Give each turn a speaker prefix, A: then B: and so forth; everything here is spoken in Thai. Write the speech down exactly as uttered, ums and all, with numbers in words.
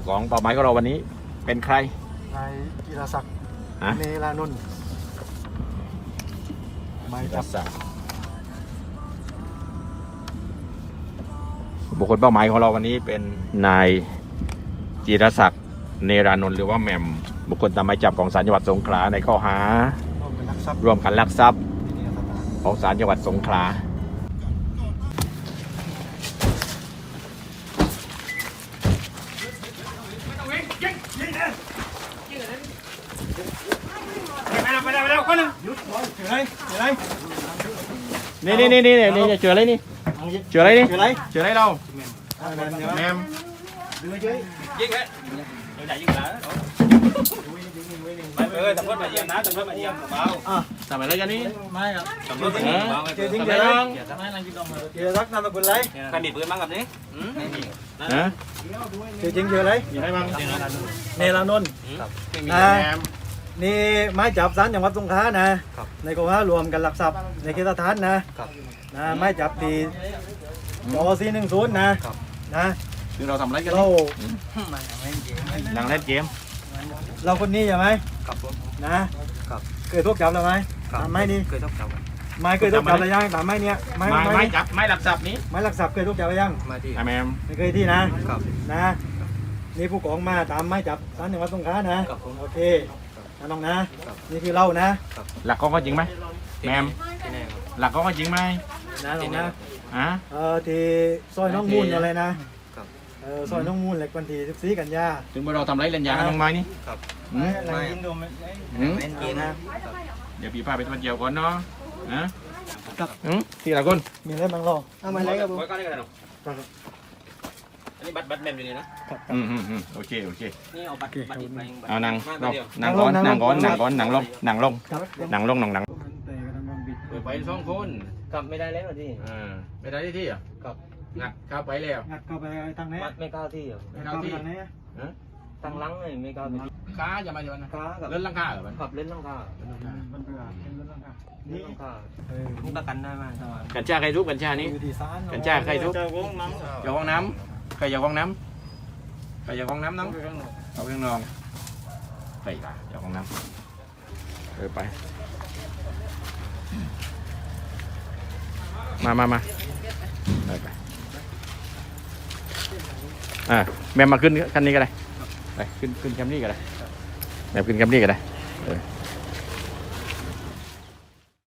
A: ของเป้าหมายของเราวันนี้เป็นใคร
B: นายกีรศักดิ์เนรานนท์หมายจับ
A: บุคคลเป้าหมายของเราวันนี้เป็นนายจิรศักดิ์เนรานนท์หรือว่าแหม่มบุคคลตามหมายจับของศาลจังหวัดสงขลาในข้อหาร่วมกันลักทรัพย์ของศาลจังหวัดสงขลานี่นี่นี่นี่นี่เจออะไรนี่เจออะไรนี่เจออะไรเจออะไรเราแหม่มยิงเลยยิงได้ยิงแล้วไปเออตำรวจมาเยี่ยมนะตำรวจมาเยี่ยมเบาทำอะไรกันนี่ไม่ครับตำรวจมาเยี่ยมเบาเจอทิ้งเจอทิ้งไม่นั่งกินนมเลยเจอรักนามสกุลอะไรใครมีปืนบ้างกับนี้ฮะเจอจริงเจออะไรมีอะไรบ้างเนรานนท์นะนี่ไม้จับศาลจังหวัดสงขลานะในข้อหารวมกันลักทรัพย์ในเขตสถานนะนะไม้จับตีจอซีหนึ่งศูนย์นะนะคือเราทำอะไรกันเรานั่งเล่นเกมเราคนนี้ใช่ไหมครับผมนะเคยทุกจับแล้วไหมตามไม้นี้เคยทุกจับไม้เคยทุกจับอะไรยังตามไม้เนี้ยไม้ไม้จับไม้หลักทรัพย์นี้ไม้หลักทรัพย์เคยทุกจับอะไรยังไม่ที่แมมไม่เคยที่นะนะนี่ผู้กองมาตามไม้จับศาลจังหวัดสงขลานะโอเคนะน้องนะนี่คือเรานะหลักกองก็จริงไหมแมมหลักกองก็จริงไหมนะน้องนะอ่ะเออที่ซอยน้องมูลอะไรนะเออซอยน้องมูลเหล็กวันที่สิบสี่กันยาถึงเมื่อเราทำไรเล่นยาน้องไม้นี่ครับไม่ยิงโดนไม่เล่นเกมนะเดี๋ยวพี่พาไปทำเจียวก่อนเนาะนะครับที่ละคนมีอะไรบ้างรอทำไมอะไรครับผมก็ได้กันหรออันนี้บัตรบัตรแมมอยู่นี่นะอืมอืมอืมโอเคโอเคนี่เอาบัตรบัตรอีกใบเอานั่งนั่งก่อนนั่งก่อนนั่งก่อนนั่งลงนั่งลงนั่งลงนั่งนั่งไปสองคนกลับไม่ได้แล้วที่อ่าไม่ได้ที่อ่ะกับงัดเข้าไปแล้วงัดเข้าไปทางไหนไม่ก้าวที่อ่ะไม่ก้าวที่ทางไหนอ่ะทางลังเลยไม่ก้าวที่ขาอย่ามาอย่ามาขาเล่นลังคาเหรอมันขับเล่นลังคามันเบื่อเล่นลังคานี่ลังคาเออมุกตะกันได้ไหมกัญชาใครทุบกัญชานี้กัญชาใครทุบอย่าห้องน้ำใครอย่าห้องน้ำใครอย่าห้องน้ำน้องเอาเครื่องนอนใส่ละอย่าห้องน้ำเออไปมามามาไปไปอ่าแม่มาขึ้นคันนี้ก็ได้ไปขึ้นขึ้นแคมป์นี่ก็ได้แม่ขึ้นแคมป์นี่ก็ได้เออ